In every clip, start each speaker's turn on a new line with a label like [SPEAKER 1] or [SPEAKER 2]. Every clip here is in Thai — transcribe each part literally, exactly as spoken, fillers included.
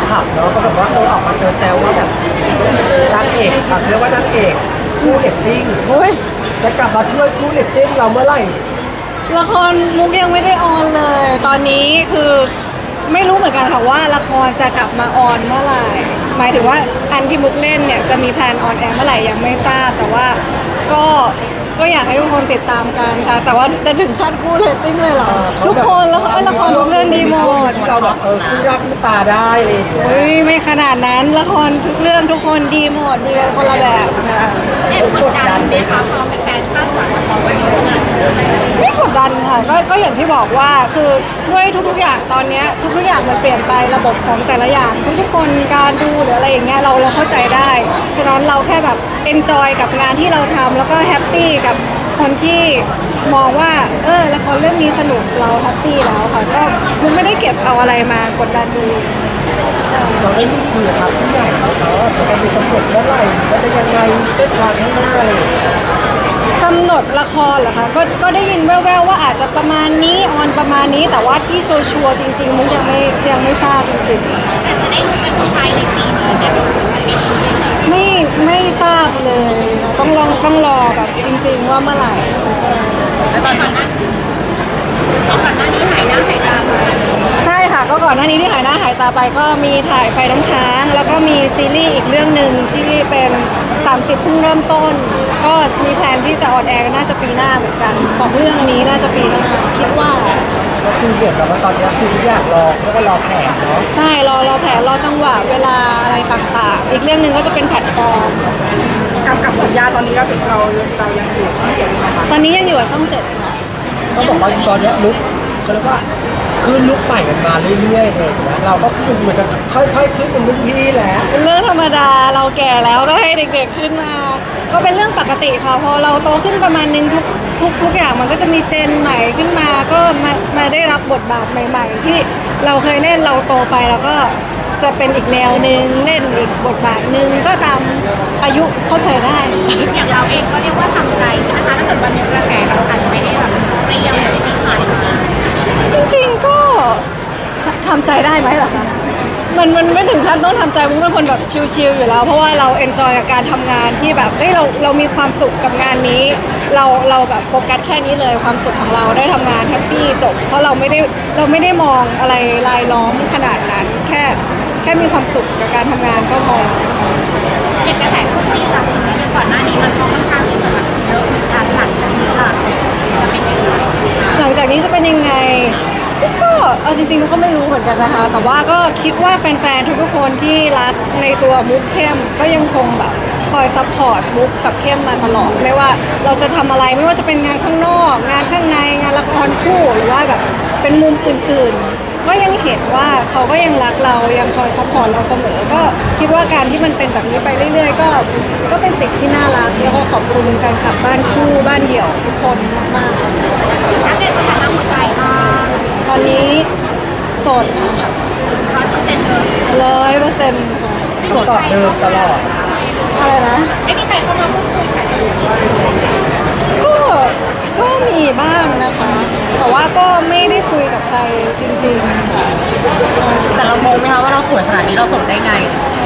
[SPEAKER 1] คลับเนาะก็แบบว่าเออออกมาเจอแซวว่าแบบนางเอกอ่ะเรียกว่านางเอกคู่เรตติ้ง
[SPEAKER 2] โอ้ย
[SPEAKER 1] จะกลับมาช่วยคู่เรตติ้งเราเมื่อไหร่
[SPEAKER 2] ละครมุกยังไม่ได้ออนเลย ตอนนี้คือไม่รู้เหมือนกันค่ะว่าละครจะกลับมาออนเมื่อไหร่หมายถึงว่าอันที่มุกเล่นเนี่ยจะมีแพลนออนแอร์เมื่อไหร่ยังไม่ทราบแต่ว่าก็ก็อยากให้ทุกคนติดตามกันค่ะแต่ว่าจะถึงขั้นคู่เรตติ้งเลยเหรอทุกคนแล้วก็ละครทุกเรื่องดีหมด
[SPEAKER 1] ที่เราแบบเออคู่รักคู่ตาได้อะไรอย่างเงี้ย
[SPEAKER 2] เฮ้ยไม่ขนาดนั้นละครทุกเรื่องทุกคนดีหมดดีกันคนละแบบค่ะ
[SPEAKER 3] แอบกดดันไหมคะพอเป็นแฟนคาดหวังกับเราไว้ขนาดนั้น
[SPEAKER 2] ไม่กดดันค่ะก็ก็อย่างที่บอกว่าคือด้วยทุกๆอย่างตอนเนี้ยทุกๆอย่างมันเปลี่ยนไประบบของแต่ละอย่างทุกๆคนการดูหรืออะไรอย่างเงี้ยเราเราเข้าใจได้ฉะนั้นเราแค่แบบเอนจอยกับงานที่เราทำแล้วก็แฮปปี้กับคนที่มองว่าเออละครเรื่องนี้สนุกเราแฮปปี้แล้วค่ะก็มันไม่ได้เก็บเอาอะไรมากดดันดูใช่
[SPEAKER 1] เราได้มีคุยกับทางผู้ใหญ่เขาเขาว่าจะมีกำหนดเมื่อไหร่ว่าจะยังไงเส้นทางข้างหน้าอะไรอย่างเงี้ย
[SPEAKER 2] กำหนดละครเหรอคะก็ก็ได้ยินแว่วๆว่าอาจจะประมาณนี้ออนประมาณนี้แต่ว่าที่ชัวร์ๆจริงๆมุกยังไม่ยังไม่ทราบจริงๆ
[SPEAKER 3] แต่จะได้รู้กันภายในปีนี้ไหมคะ
[SPEAKER 2] ไม่ไม่ทราบเลยนะต้องลองต้องรอแบบจริง ๆ ว่าเมื่อไหร่
[SPEAKER 3] แล้วตอนก่อนหน้าตอนก่อนหน้านี้หายหน้าหายตาไป
[SPEAKER 2] ใช่ค่ะก็ก่อนหน้านี้ที่หายหน้าหายตาไปก็มีถ่ายไฟน้ำค้าง แล้วก็มีซีรีส์อีกเรื่องหนึ่งที่เป็นสามสิบเพิ่งเริ่มต้น ก็มีแพลนที่จะออนแอร์น่าจะปีหน้าเหมือนกันสองเรื่องนี้น่าจะปีหน้าคิดว่า
[SPEAKER 1] ก็คือเหมือนกับว่าตอนนี้คือทุกอย่างรอแล้วก็รอแผนเนาะ
[SPEAKER 2] ใช่รอรอแผนรอจังหวะเวลาอะไรต่างๆ อีกเรื่องหนึ่งก็จะเป็นแพลตฟอร์ม
[SPEAKER 4] กับกับสัญญาตอนนี้เราถึงเราเรายังอยู่ช่องเจ็ดใช่ไหมคะ
[SPEAKER 2] ตอนนี้ยังอยู่กับช่องเจ็ดค่ะ
[SPEAKER 1] ก็บอกว่าตอนนี้ลุกก็เรียกว่าขึ้นลุกใหม่กันมาเรื่อยๆเลยนะเราก็คือเหมือนจะค่อยๆขึ้นเป็นรุ่นพี่แหละ
[SPEAKER 2] เป็นเรื่องธรรมดาเราแก่แล้วก็ให้เด็กๆขึ้นมา ก็เป็นเรื่องปกติค่ะพอเราโตขึ้นประมาณนึงทุกทุกทุกอย่างมันก็จะมีเจนใหม่ขึ้นมาก็มามาได้รับบทบาทใหม่ ๆ ที่เราเคยเล่นเราโตไปแล้วก็จะเป็นอีกแนวหนึ่งเล่นอีกบทบาทหนึ่งก็ตามอายุเข้าใจได้
[SPEAKER 3] อย่างเราเองก็เรียกว่าทำใจใช่ไหมคะถ้าเกิดวันหนึงกระแสเราอาจจะไม่ได้แบบเปรี้ยงเหมือนที่ผ่านมา
[SPEAKER 2] จริงๆก็ทำใจได้ไหมล่ะคะมันมันไม่ถึงขั้นต้องทำใจมุกเป็นคนแบบชิลๆอยู่แล้วเพราะว่าเราเอนจอยกับการทำงานที่แบบเฮ้ยเราเรามีความสุขกับงานนี้ เราเราแบบโฟกัสแค่นี้เลยความสุขของเราได้ทำงานแฮปปี้จบเพราะเราไม่ได้เราไม่ได้มองอะไรรายล้อมขนาดนั้น แค่แค่มีความสุขกับการทำงานก็พอ
[SPEAKER 3] อย่างกระแสคู่จิ้นเราอย่างก่อนหน้านี้มันก็ค่อนข้างที่จะแบบเยอะเหมือนกันหลังจากนี้ล่ะจะเป็นยังไง
[SPEAKER 2] หลังจากนี้จะเป็นยังไงก็เอาจริงๆมุกก็ไม่รู้เหมือนกันนะคะ แต่ว่าก็คิดว่าแฟนๆทุกๆคนที่รักในตัวมุกเข้มก็ยังคงแบบคอยซัพพอร์ตมุกกับเข้มมาตลอดไม่ว่าเราจะทำอะไรไม่ว่าจะเป็นงานข้างนอก งานข้างในงานละครคู่หรือว่าแบบเป็นมุมอื่นๆ ก็ยังเห็นว่าเขาก็ยังรักเรายังคอยซัพพอร์ตเราเสมอ ก็คิดว่าการที่มันเป็นแบบนี้ไปเรื่อยๆ ก็ก็เป็นสิ่งที่น่ารักแล้วก็ขอบคุณแฟนคลับบ้านคู่บ้านเดี่ยวทุกคนมากๆ
[SPEAKER 3] ถ้าในสถานะหัวใจก็
[SPEAKER 2] ตอนนี้โสดค่ะ
[SPEAKER 3] ร้อยเปอร์เซ็นต์เลย
[SPEAKER 2] ร้อยเปอร์เซ็นต์
[SPEAKER 1] คำตอบเดิมตลอด
[SPEAKER 2] อะไรนะ
[SPEAKER 3] ไม่มีใครเข้ามาพูดคุยค่ะ
[SPEAKER 2] ก็ก็มีบ้างนะคะ แต่ว่าก็ไม่ได้คุยกับใครจริงๆค่ะใช่
[SPEAKER 4] แต่เรางงไหมคะว่าเราสวยขนาดนี้เราสดได้ไง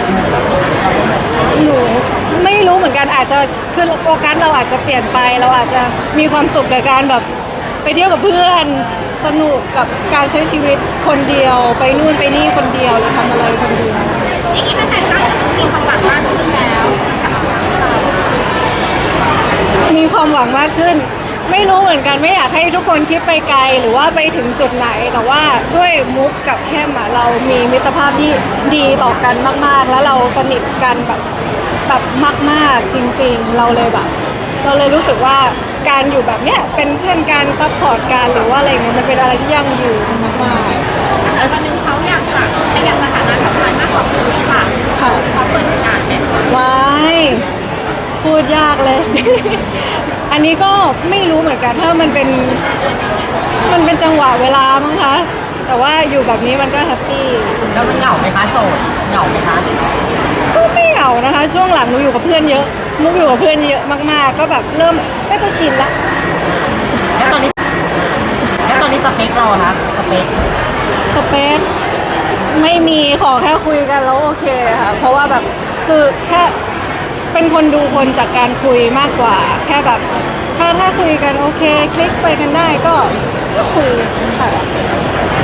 [SPEAKER 2] หนูไม่รู้เหมือนกันอาจจะคือโฟกัสเราอาจจะเปลี่ยนไปเราอาจจะมีความสุขกับการแบบไปเที่ยวกับเพื่อนสนุกกับการใช้ชีวิตคนเดียวไปนู่นไปนี่คนเดียวหรือทำอะไรคนเดียว
[SPEAKER 3] อย่างนี้แฟนๆก็มีความหวังมากขึ้นแล้วกับคู่จิ้นเรา
[SPEAKER 2] มีความหวังมากขึ้น ไม่รู้เหมือนกันไม่อยากให้ทุกคนคิดไปไกลหรือว่าไปถึงจุดไหน แต่ว่าด้วยมุกกับแคมอะเรามีมิตรภาพที่ดีต่อกันมากๆ แล้วเราสนิทกันแบบแบบมากๆจริงๆ เราเลยแบบ เราเลยรู้สึกว่าการอยู่แบบเนี้ยเป็นเพื่อนกันซัพพอร์ตกันหรือว่าอะไรเงี้ยมันเป็นอะไรที่ยั่งยืนมาก
[SPEAKER 3] แต่วันหนึงเขาอยากจะไปอยากสถานะสำคัญมากกว่าคู่จิ้นค่ะ
[SPEAKER 2] ๆค่ะ
[SPEAKER 3] เขาเปิดโอกาสไหมคะ
[SPEAKER 2] ว้ายพูดยากเลย อันนี้ก็ไม่รู้เหมือนกันถ้ามันเป็นมันเป็นจังหวะเวลามั้งคะแต่ว่าอยู่แบบนี้มันก็แฮปปี้
[SPEAKER 4] แล้วมันเหงาไหมคะโสดเหงาไหมคะ
[SPEAKER 2] ก็ไม่เหงานะคะ ช่วงหลังหนูอยู่กับเพื่อนเยอะมุกอยู่กับเพื่อนเยอะมากๆ ก็แบบเริ่มก็จะชินละ
[SPEAKER 4] แล้วตอนนี้แล้วตอนนี้สเปคเราอะคะสเปค
[SPEAKER 2] สเปซไม่มีขอแค่คุยกันแล้วโอเคค่ะเพราะว่าแบบคือแค่เป็นคนดูคนจากการคุยมากกว่า แค่แบบถ้าถ้าคุยกันโอเคคลิกไปกันได้ก็ก็คุยค่ะ